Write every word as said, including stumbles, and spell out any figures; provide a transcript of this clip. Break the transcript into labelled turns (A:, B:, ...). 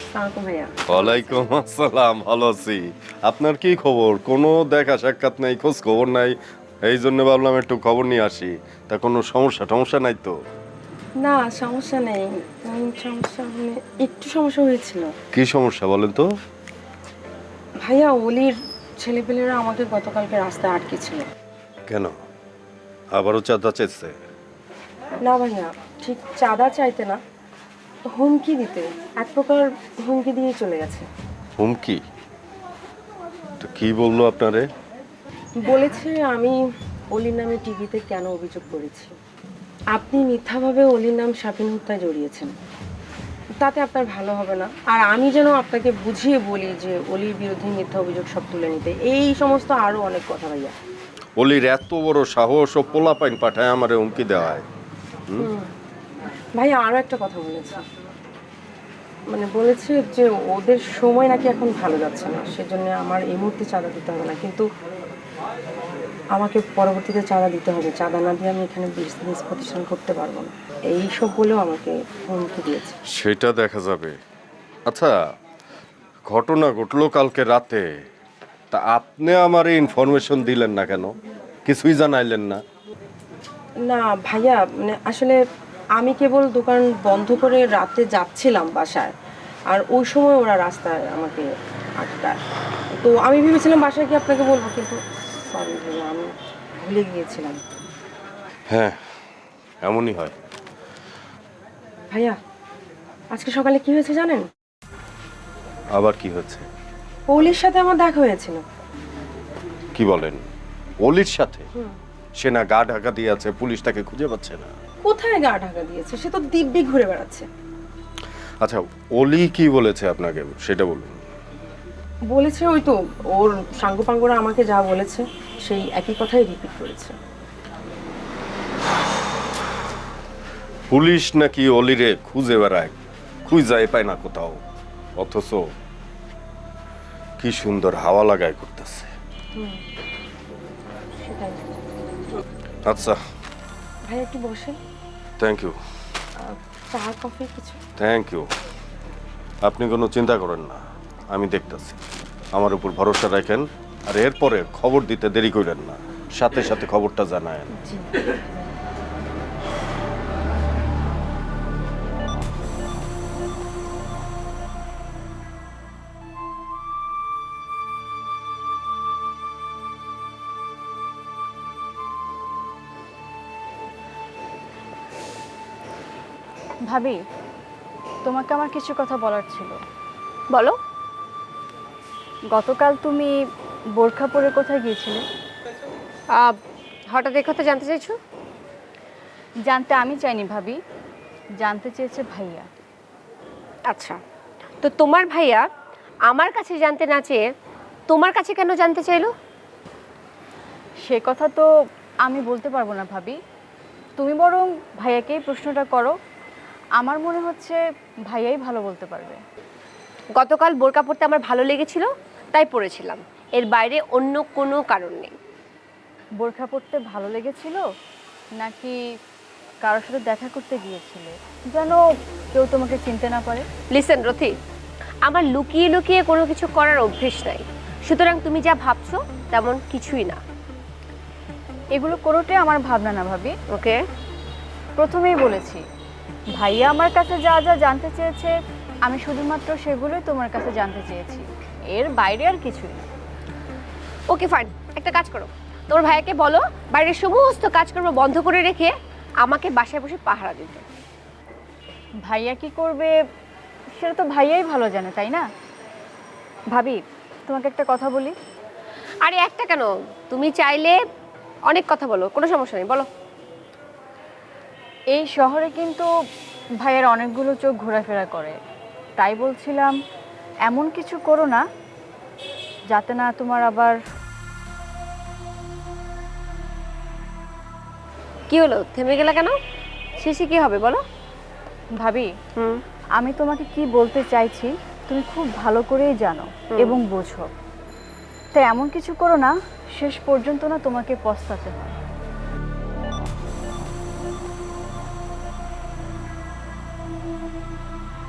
A: সালাম ভাইয়া।
B: ওয়ালাইকুম আসসালাম, ভালো আছি। আপনার কি খবর? কোনো দেখা সাক্ষাৎ নাই, খোঁজ খবর নাই। এই জন্য ভাবলাম একটু খবর নিয়ে আসি। তা কোনো সমস্যা টমস্যা নাই তো?
A: না সমস্যা নেই। উম, সমস্যা মানে একটু সমস্যা হয়েছিল।
B: কি সমস্যা বলেন তো?
A: ভাইয়া অলির ছেলেপেলেরা আমাকে গতকালকে রাস্তায় আটকেছিল।
B: কেন, আবারও চাঁদা চেয়েছে?
A: না ভাইয়া, ঠিক চাঁদা চাইতে না, হুমকি দিতে, এক প্রকার হুমকি দিয়ে চলে গেছে।
B: হুমকি? তো কি বললো আপনারে?
A: বলেছে আমি অলির নামে টিভিতে কেন অভিযোগ করেছি, আপনি মিথ্যাভাবে অলির নাম শাপিন হত্যায় জড়িয়েছেন, তাতে আপনার ভালো হবে না, আর আমি যেন আপনাকে বুঝিয়ে বলি যে অলির বিরুদ্ধে মিথ্যা অভিযোগ সব তুলে নিতে, এই সমস্ত আরো অনেক কথা ভাইয়া।
B: অলির এত বড় সাহস ও পোলাপাইন পাঠায় আমারে হুমকি দেওয়া হয়?
A: ভাইয়া আরো একটা কথা বলেছে, মানে বলেছে যে ওদের সময় নাকি এখন ভালো যাচ্ছে না, সেজন্য আমার এই মুহূর্তে চাঁদা দিতে হবে না, কিন্তু আমাকে পরবর্তীতে চাঁদা দিতে হবে, চাঁদা না দিয়ে আমি এখানে বিজনেস প্রতিষ্ঠান করতে পারবো না, এই সব বলেও আমাকে হুমকি দিয়েছে।
B: সেটা দেখা যাবে। আচ্ছা, ঘটনা ঘটলো কালকে রাতে, তা আপনি আমারে ইনফরমেশন দিলেন না কেন? কিছুই জানাইলেন না?
A: না ভাইয়া, মানে আসলে আমি কেবল দোকান বন্ধ করে রাতে যাচ্ছিলাম বাসায়, আর ওই সময় ওরা রাস্তায় আমাকে আটকায়, তো আমি ভেবেছিলাম বাসায় গিয়ে আপনাকে বলবো, কিন্তু সরি ভাইয়া, আমি ভুলে গিয়েছিলাম।
B: হ্যাঁ, এমনই হয়।
A: ভাইয়া আজকে সকালে কি হয়েছে জানেন?
B: আবার কি হচ্ছে?
A: পৌলির সাথে আমার দেখা হয়েছিল।
B: কি বলেন? অলির সাথে? সে না গা ঢাকা দিয়ে আছে, পুলিশ তাকে খুঁজে পাচ্ছে না।
A: কোথায় গা ঢাকা দিয়েছে, সে তো দিব্যি ঘুরে বেড়াচ্ছে।
B: আচ্ছা, অলি কি বলেছে আপনাকে সেটা বলুন।
A: বলেছে ওই তো, ওর সাঙ্গপাঙ্গরা আমাকে যা বলেছে সেই একই কথাই রিপিট করেছে।
B: পুলিশ নাকি অলিরে খুঁজে বেড়ায়, খুঁজাই পায় না কোথাও, অথচ কি সুন্দর হাওয়া লাগায় করতেছে।
A: সেটাই।
B: আচ্ছা,
A: ভাই একটু বসেন,
B: থ্যাংক ইউ।
A: চা কফি কিছু?
B: Thank you. আপনি কোনো চিন্তা করেন না, আমি দেখতেছি। আমার উপর ভরসা রাখেন, আর এরপরে খবর দিতে দেরি করেন না, সাথে সাথে খবরটা জানায়েন।
A: জি।
C: ভাবি, তোমাকে আমার কিছু কথা বলার ছিল।
D: বলো।
C: গতকাল তুমি বোরখা পরে কোথায় গিয়েছিলে?
D: আহ, হঠাৎ এই কথা জানতে চাইছো?
C: জানতে আমি চাইনি ভাবি, জানতে চেয়েছে ভাইয়া।
D: আচ্ছা, তো তোমার ভাইয়া আমার কাছে জানতে না চেয়ে তোমার কাছে কেন জানতে চাইলো?
C: সে কথা তো আমি বলতে পারবো না ভাবি, তুমি বরং ভাইয়াকেই প্রশ্নটা করো। আমার মনে হচ্ছে ভাইয়াই ভালো বলতে পারবে।
D: গতকাল বোরকা পরতে আমার ভালো লেগেছিল, তাই পরেছিলাম, এর বাইরে অন্য কোনো কারণ নেই।
C: বোরখা পরতে ভালো লেগেছিল নাকি কারোর সাথে দেখা করতে গিয়েছিলে যেন কেউ তোমাকে চিনতে না পারে?
D: লিসেন রথি, আমার লুকিয়ে লুকিয়ে কোনো কিছু করার অভ্যেস নাই, সুতরাং তুমি যা ভাবছো তেমন কিছুই না।
C: এগুলো কোনোটাই আমার ভাবনা না ভাবি।
D: ওকে,
C: প্রথমেই বলেছি, ভাইয়া আমার কাছে যা যা জানতে চেয়েছে আমি শুধুমাত্র সেগুলোই তোমার কাছে জানতে চেয়েছি, এর বাইরে আর কিছুই না।
D: ওকে ফাইন, একটা কাজ করো, তোমার ভাইয়াকে বলো বাইরের সমস্ত কাজকর্ম বন্ধ করে রেখে আমাকে বাসায় বসে পাহারা দিতে।
C: ভাইয়া কি করবে সেটা তো ভাইয়াই ভালো জানে, তাই না? ভাবি, তোমাকে একটা কথা বলি।
D: আরে একটা কেন, তুমি চাইলে অনেক কথা বলো, কোনো সমস্যা নেই, বলো।
C: এই শহরে কিন্তু ভাইয়ের অনেকগুলো চোখ ঘোরাফেরা করে, তাই বলছিলাম এমন কিছু করো না যাতে না তোমার আবার।
D: কি হলো, থেমে গেলা কেন? শেষে কি হবে বলো।
C: ভাবি,
D: হুম,
C: আমি তোমাকে কি বলতে চাইছি তুমি খুব ভালো করেই জানো এবং বোঝো, তাই এমন কিছু করো না শেষ পর্যন্ত না তোমাকে পস্তাতে হয়।